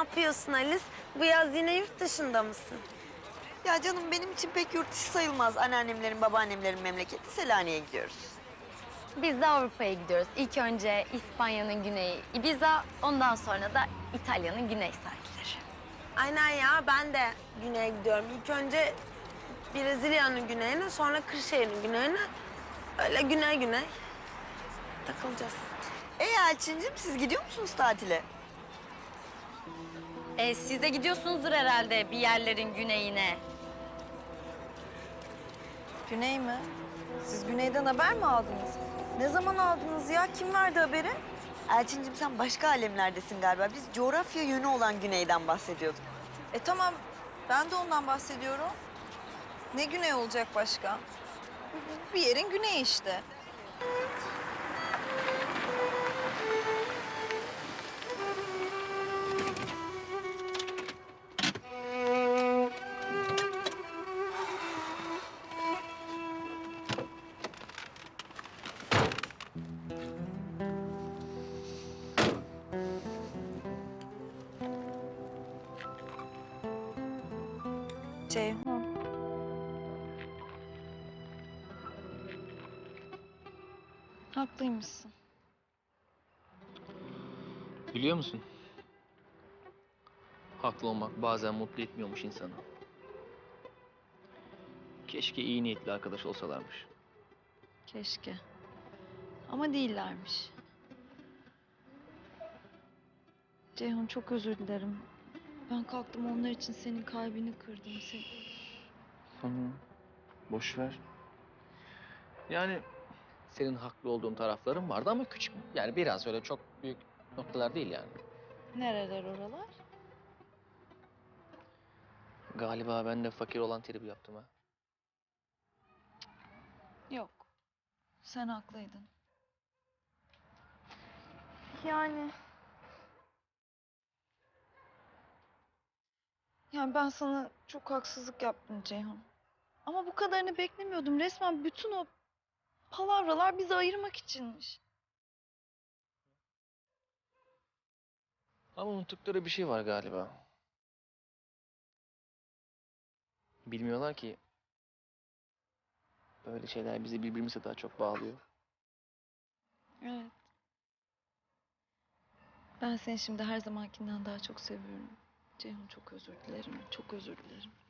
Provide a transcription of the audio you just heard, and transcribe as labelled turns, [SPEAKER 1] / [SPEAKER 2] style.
[SPEAKER 1] yapıyorsun Alice? Bu yaz yine yurt dışında mısın?
[SPEAKER 2] Ya canım benim için pek yurt dışı sayılmaz. Anneannemlerin, babaannemlerin memleketi Selanik'e gidiyoruz.
[SPEAKER 3] Biz de Avrupa'ya gidiyoruz. İlk önce İspanya'nın güneyi Ibiza, ondan sonra da İtalya'nın güney sahilleri.
[SPEAKER 1] Aynen ya, ben de güneye gidiyorum. İlk önce Brezilya'nın güneyine, sonra Kırşehir'in güneyine. Öyle güney güney takılacağız.
[SPEAKER 2] Elçincim siz gidiyor musunuz tatile?
[SPEAKER 3] Siz de gidiyorsunuzdur herhalde bir yerlerin güneyine.
[SPEAKER 2] Güney mi? Siz güneyden haber mi aldınız? Ne zaman aldınız ya? Kim verdi haberi? Elçincim sen başka alemlerdesin galiba. Biz coğrafya yönü olan güneyden bahsediyorduk.
[SPEAKER 4] Tamam, ben de ondan bahsediyorum. Ne güney olacak başka? Bir yerin güneyi işte. Ceyhun. Haklıymışsın.
[SPEAKER 5] Biliyor musun? Haklı olmak bazen mutlu etmiyormuş insanı. Keşke iyi niyetli arkadaş olsalarmış.
[SPEAKER 4] Keşke. Ama değillermiş. Ceyhun çok özür dilerim. Ben kalktım onlar için senin kalbini kırdım.
[SPEAKER 5] Tamam. Boş ver. Yani senin haklı olduğun tarafların vardı ama küçük. Yani biraz öyle çok büyük noktalar değil yani.
[SPEAKER 4] Nereler oralar?
[SPEAKER 5] Galiba ben de fakir olan tribi yaptım ha.
[SPEAKER 4] Yok. Sen haklıydın. Yani... Yani ben sana çok haksızlık yaptım Ceyhun. Ama bu kadarını beklemiyordum. Resmen bütün o palavralar bizi ayırmak içinmiş.
[SPEAKER 5] Ama unuttukları bir şey var galiba. Bilmiyorlar ki böyle şeyler bizi birbirimize daha çok bağlıyor.
[SPEAKER 4] Evet. Ben seni şimdi her zamankinden daha çok seviyorum. Ceyhun çok özür dilerim. Çok özür dilerim.